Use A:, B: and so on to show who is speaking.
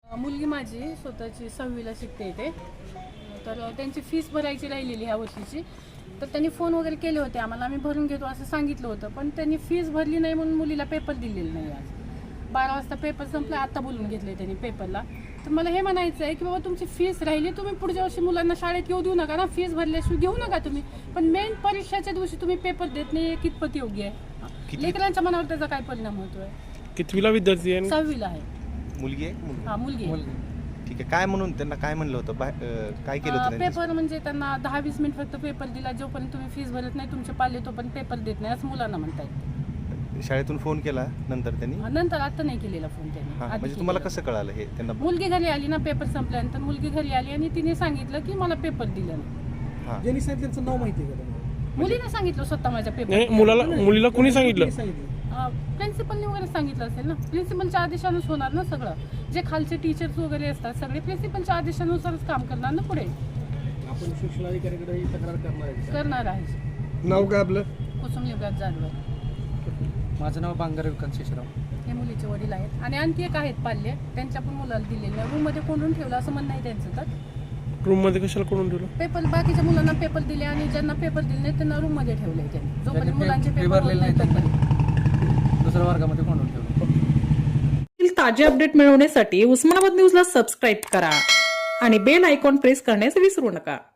A: मुलगी माझी स्वतःची 6वीला शिकते इथे. तर त्यांची फीस भरायची राहिलेली ह्या वर्षीची. तर त्यांनी फोन वगैरे केले होते आम्हाला, आम्ही भरून घेतो असं सांगितलं होतं. पण त्यांनी फीस भरली नाही म्हणून मुलीला पेपर दिलेला नाही. आज 12 वाजता पेपर संपला, आता बोलून घेतले त्यांनी पेपरला. तर मला हे म्हणायचं आहे की बाबा तुमची फीस राहिली, तुम्ही पुढच्या वर्षी मुलांना शाळेत येऊ देऊ नका ना. फीस भरल्याशिवाय घेऊ नका तुम्ही. पण मेन परीक्षेच्या दिवशी तुम्ही पेपर देत नाही, कितपत योग्य आहे? लेकरांच्या मनावर त्याचा काय परिणाम होतोय?
B: कितवीला विद्यार्थी आहे?
A: 6वीला आहे.
C: मुलगी आहे?
A: हा, मुलगी आहे.
C: ठीक आहे. काय म्हणून त्यांना काय म्हणलं होतं? काय केलं होतं?
A: पेपर म्हणजे त्यांना 10-20 मिनिट फक्त पेपर दिला. जोपर्यंत तुम्ही फीस भरत नाही तुमचे पाले तोपर्यंत पेपर देत नाही असं मुलांना म्हणतायत.
C: शाळेतून फोन केला नंतर त्यांनी?
A: नंतर आता नाही केलेला फोन त्यांनी.
C: म्हणजे तुम्हाला कसं कळालं हे? त्यांना
A: मुलगी घरी आली ना, पेपर संपल्यानंतर मुलगी घरी आली आणि तिने सांगितलं की मला पेपर दिला नाही.
D: ज्यांनी सांगितलं त्यांचं नाव माहिती आहे का तुम्हाला?
A: मुलीने सांगितलं स्वतः माझ्या
B: नाही,
A: पेपर.
B: मुलीला कुणी सांगितलं?
A: प्रिन्सिपलने वगैरे सांगितलं असेल ना. प्रिन्सिपलच्या आदेशानुसार होणार ना सगळं. जे खालचे टीचर्स वगैरे असतात सगळे प्रिन्सिपलच्या आदेशानुसारच काम करणार ना पुढे.
D: आपण शिक्षण अधिकाऱ्याकडे ही तक्रार
A: करणार आहे.
B: नाव काय आपलं?
A: कुसुम युवराज जाधव.
D: माझं नाव बांगर विकास शेषराव.
A: हे मुलीचे वडील आहेत आणि आणखी एक आहेत पाल्य, त्यांच्या पण मुलाला दिलेलं रूम मध्ये कोंडून ठेवलं असं म्हणणं आहे त्यांचं. तर
B: रूम मध्ये कशाला करून ठेवलं?
A: पेपर बाकीच्या मुलांना पेपर दिले आणि ज्यांना पेपर दिले नाही त्यांना रूम मध्ये ठेवलंय त्यांनी. जोपर्यंत मुलांचे पेपर होत नाही तोपर्यंत
D: दुसऱ्या वर्गामध्ये कोंडून ठेवलं.
E: ताजे अपडेट मिळवण्यासाठी उस्मानाबाद न्यूजला सबस्क्राईब करा आणि बेल आयकॉन प्रेस करण्यास विसरू नका.